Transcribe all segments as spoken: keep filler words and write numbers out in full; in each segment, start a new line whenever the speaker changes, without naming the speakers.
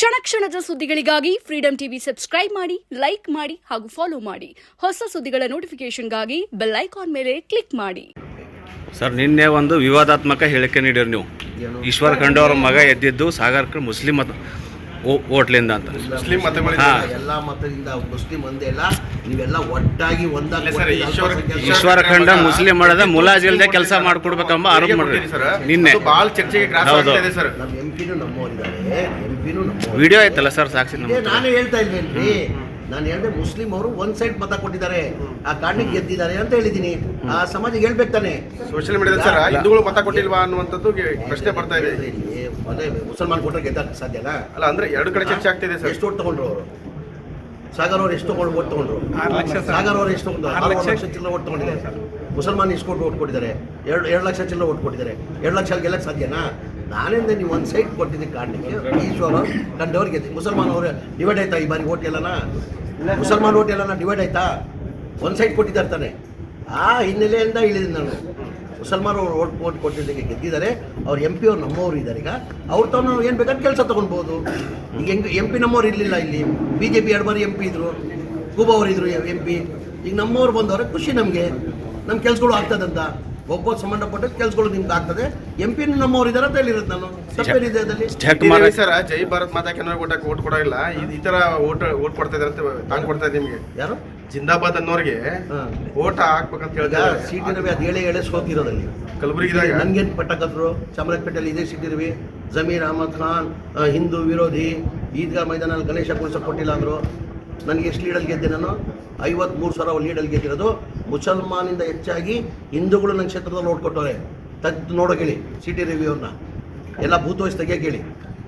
ಕ್ಷಣ ಕ್ಷಣದ ಸುದ್ದಿಗಳಿಗಾಗಿ ಫ್ರೀಡಂ ಟಿವಿ ಸಬ್ಸ್ಕ್ರೈಬ್ ಮಾಡಿ, ಲೈಕ್ ಮಾಡಿ ಹಾಗೂ ಫಾಲೋ ಮಾಡಿ. ಹೊಸ ಸುದ್ದಿಗಳ ನೋಟಿಫಿಕೇಶನ್ಗಾಗಿ ಬೆಲ್ ಐಕಾನ್ ಮೇಲೆ ಕ್ಲಿಕ್ ಮಾಡಿ.
ಸರ್, ನಿನ್ನೆ ಒಂದು ವಿವಾದಾತ್ಮಕ ಹೇಳಿಕೆ ನೀಡಿರಿ ನೀವು. ಈಶ್ವರ್ ಖಂಡ್ರೆ ಅವರ ಮಗ ಎದ್ದಿದ್ದು ಸಾಗರ್ಕರ್ ಮುಸ್ಲಿಂ ಮತ ಓಟ್ಲಿಂದ ಅಂತ.
ಮುಸ್ಲಿಂ ಮತಗಳಿಂದ ಎಲ್ಲ ಮತದಿಂದ ಮುಸ್ಲಿಂ ಒಂದೇ ಅಲ್ಲ, ನೀವೆಲ್ಲ ಒಟ್ಟಾಗಿ ಒಂದಾಗಿ
ಈಶ್ವರ ಖಂಡ್ರೆ ಮುಸ್ಲಿಂ ಮಾಡದ ಮುಲಾಜಿಲ್ದೆ ಕೆಲಸ ಮಾಡ್ಕೊಡ್ಬೇಕೆಂಬ ಆರೋಪ ಮಾಡಿರಿ ನಿನ್ನೆ.
ಬಹಳ ಚರ್ಚೆಗೆ ಗ್ರಾಸ ಆಗ್ತಿದೆ ಸರ್. ನಮ್ಮ ಎಂಪಿನೂ ನಮ್ಮವರಿದ್ದಾರೆ, ಎಂಪಿನೂ ನಮ್ಮ
ವಿಡಿಯೋ ಐತಲ್ಲ ಸರ್, ಸಾಕ್ಷಿ.
ನಾನು ಹೇಳ್ತಾ ಇಲ್ವೇನ್ರಿ, ನಾನು ಹೇಳಿದೆ ಮುಸ್ಲಿಂ ಅವರು ಒಂದ್ ಸೈಡ್ ಮತ ಕೊಟ್ಟಿದ್ದಾರೆ, ಆ ಕಾರಣಕ್ಕೆ ಗೆದ್ದಿದ್ದಾರೆ ಅಂತ ಹೇಳಿದೀನಿ. ಆ ಸಮಾಜಕ್ಕೆ ಹೇಳ್ಬೇಕು ತಾನೆ. ಸೋಷಿಯಲ್ ಮೀಡಿಯಾದಲ್ಲಿ ಸರ್ ಹಿಂದೂಗಳು ಮತ ಕೊಟ್ಟಿಲ್ವಾ ಅನ್ನುವಂಥದ್ದು ಪ್ರಶ್ನೆ ಬರ್ತಾ ಇದೆ. ಅದೇ ಮುಸಲ್ಮಾನ್ ಕೊಟ್ಟರೆ ಗೆದ್ದಕ್ಕೆ ಸಾಧ್ಯನಾ? ಅಲ್ಲ, ಅಂದ್ರೆ ಎರಡು ಕಡೆ ಚರ್ಚೆ ಆಗ್ತಿದೆ ಸರ್. ಎಷ್ಟು ಓಟ್ ತಗೊಂಡ್ರು ಅವರು? ಸಾಗರ್ ಅವ್ರು ಎಷ್ಟು ತಗೊಂಡು ಓಟ್ ತಗೊಂಡ್ರು? ಸಾಗರ್ ಅವರು ಎಷ್ಟು ತಗೊಂಡು ಆರು ಲಕ್ಷ ಚಿಲ್ಲರೆ ಓಟ್ ತಗೊಂಡಿದ್ದಾರೆ. ಮುಸಲ್ಮಾನ್ ಎಷ್ಟು ಕೊಟ್ಟು ಓಟ್ ಕೊಟ್ಟಿದ್ದಾರೆ? ಎರಡು ಎರಡು ಲಕ್ಷ ಚಿಲ್ಲರೆ ಓಟ್ ಕೊಟ್ಟಿದ್ದಾರೆ. ಎರಡು ಲಕ್ಷ ಗೆಲ್ಲಕ್ಕೆ ಸಾಧ್ಯನಾ? ನಾನಿಂದ ನೀವು ಒಂದು ಸೈಡ್ ಕೊಟ್ಟಿದ್ದಕ್ಕೆ ಕಾರಣಕ್ಕೆ ಈಶ್ವರ ಕಂಡವ್ರಿಗೆ ಮುಸಲ್ಮಾನ್ ಅವರು ಡಿವೈಡ್ ಆಯ್ತಾ ಈ ಬಾರಿ ಓಟ್ ಎಲ್ಲನ? ಮುಸಲ್ಮಾನ್ ಓಟ್ ಎಲ್ಲನ ಡಿವೈಡ್ ಆಯ್ತಾ? ಒಂದು ಸೈಡ್ ಕೊಟ್ಟಿದ್ದಾರೆ ತಾನೆ. ಆ ಹಿನ್ನೆಲೆಯಿಂದ ಇಳಿದಿದ್ದು ನಾನು. ಮುಸಲ್ಮಾನ್ ಅವರು ಓಟ್ ಓಟ್ ಕೊಟ್ಟಿದ್ದಕ್ಕೆ ಗೆದ್ದಿದ್ದಾರೆ. ಅವ್ರು ಎಂ ಪಿ ಅವ್ರು ನಮ್ಮವರು ಇದ್ದಾರೆ. ಈಗ ಅವ್ರು ತಾನು ಏನು ಬೇಕಾದ್ರೆ ಕೆಲಸ ತೊಗೊಳ್ಬೋದು. ಈಗ ಹೆಂಗೆ ಎಂ ಪಿ ನಮ್ಮವ್ರು ಇರಲಿಲ್ಲ ಇಲ್ಲಿ. ಬಿ ಜೆ ಪಿ ಎರಡು ಬಾರಿ ಎಂ ಪಿ ಇದ್ರು, ಕೂಬಾ ಅವರು ಇದ್ರು ಎಂ ಪಿ. ಈಗ ನಮ್ಮವ್ರು ಬಂದವ್ರೆ, ಖುಷಿ ನಮಗೆ. ನಮ್ಮ ಕೆಲಸಗಳು ಆಗ್ತದಂತ ಒಬ್ಬ ಸಂಬಂಧಪಟ್ಟ ಕೆಲಸಗಳು ನಿಮ್ಗೆ ಆಗ್ತದೆ. ಎಂ ಪಿ ನಮ್ಮವ್ರು ಇದ್ದಾರೆ ಅಂತ ಹೇಳಿರೋದು ನಾನು. ತಪ್ಪೇನಿದೆ ಅದರಲ್ಲಿ ಸರ್? ಜೈ ಭಾರತ್ ಮಾತಾ ಕೆನರ ಓಟಕ್ಕೆ ಓಟ್ ಕೊಡೋಲ್ಲ, ಈ ತರ ಓಟ್ ಓಟ್ ಕೊಡ್ತಾ ಇದ್ದಾರೆ ಅಂತ ತಾಂಗ್ ಕೊಡ್ತಾ ಇದೆ ನಿಮಗೆ. ಯಾರು ಜಿಂದಾಬಾದ್ ಅನ್ನೋರಿಗೆ ಓಟ್ ಹಾಕ್ಬೇಕಂತ ಹೇಳಿದ್ರೆ ಸಿ ಟಿ ರವಿ ಅದು ಹೇಳಿ ಹೇಳಿ ಸೋತಿರೋದಲ್ಲಿ ಕಲಬುರಗಿದಾಗ ನನ್ಗೇನು ಪಟ್ಟಕದ್ರು. ಚಾಮರಾಜಪೇಟೆಯಲ್ಲಿ ಇದೇ ಸಿ ಟಿ ರವಿ, ಜಮೀರ್ ಅಹಮದ್ ಖಾನ್ ಹಿಂದೂ ವಿರೋಧಿ, ಈದ್ಗಾ ಮೈದಾನಲ್ಲಿ ಗಣೇಶ ಕುಣಿಸೋಕೆ ಕೊಟ್ಟಿಲ್ಲ ಅಂದರು. ನನಗೆ ಎಷ್ಟು ಲೀಡಲ್ಲಿ ಗೆದ್ದೆ ನಾನು? ಐವತ್ಮೂರು ಸಾವಿರ ಲೀಡಲ್ಲಿ ಗೆದ್ದಿರೋದು. ಮುಸಲ್ಮಾನಿಂದ ಹೆಚ್ಚಾಗಿ ಹಿಂದೂಗಳು ನನ್ನ ಕ್ಷೇತ್ರದಲ್ಲಿ ಓಟ್ ಕೊಟ್ಟವ್ರೆ. ತೆಗೆದು ನೋಡೋಕೆ ಹೇಳಿ ಸಿ ಟಿ ರವಿ ಅವ್ರನ್ನ. ಎಲ್ಲ ಭೂತ್ ವಯಸ್ಸು ತೆಗಿಯೋಕೆ ಹೇಳಿ,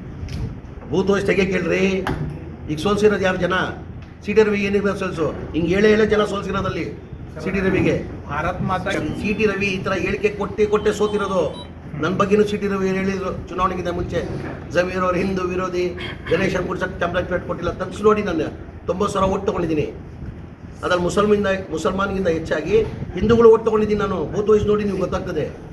ಭೂತ್ ವಯಸ್ಸು ತೆಗಿಯೋಕೆ ಹೇಳ್ರಿ. ಈಗ ಸೋಲ್ಸಿರೋದು ಯಾರು ಜನ? ಸಿ ಟಿ ರವಿ ಏನಿದೆ ಸೋಲ್ಸು? ಹಿಂಗೆ ಏಳೆ ಏಳೆ ಜನ ಸೋಲ್ಸಿರೋದಲ್ಲಿ ಸಿ ಟಿ ರವಿಗೆ. ಭಾರತ್ ಮಾತಾ ಸಿ ಟಿ ರವಿ ಈ ಥರ ಹೇಳಿಕೆ ಕೊಟ್ಟೆ ಕೊಟ್ಟೆ ಸೋತಿರೋದು. ನನ್ನ ಬಗ್ಗೆನೂ ಸಿ ಟಿ ರವಿ ಹೇಳಿದ್ರು ಚುನಾವಣೆಗಿಂತ ಮುಂಚೆ. ಜಮೀರ್ ಅವರು ಹಿಂದೂ ವಿರೋಧಿ, ಗಣೇಶನ್ ಕುಡ್ಸಕ್ಕೆ ಚಾಮರಾಜಪೇಟೆ ಕೊಟ್ಟಿಲ್ಲ. ತಗ್ಸಿ ನೋಡಿ, ನಾನು ತೊಂಬತ್ತು ಸಾವಿರ ಓಟ್ ತೊಗೊಂಡಿದ್ದೀನಿ. ಅದ್ರಲ್ಲಿ ಮುಸಲ್ಮಿಂದ ಮುಸಲ್ಮಾನಿಗಿಂತ ಹೆಚ್ಚಾಗಿ ಹಿಂದೂಗಳು ಓಟ್ ತೊಗೊಂಡಿದ್ದೀನಿ ನಾನು. ಭೂತ್ ವಯಸ್ಸು ನೋಡಿ ನೀವು ಗೊತ್ತಾಗ್ತದೆ.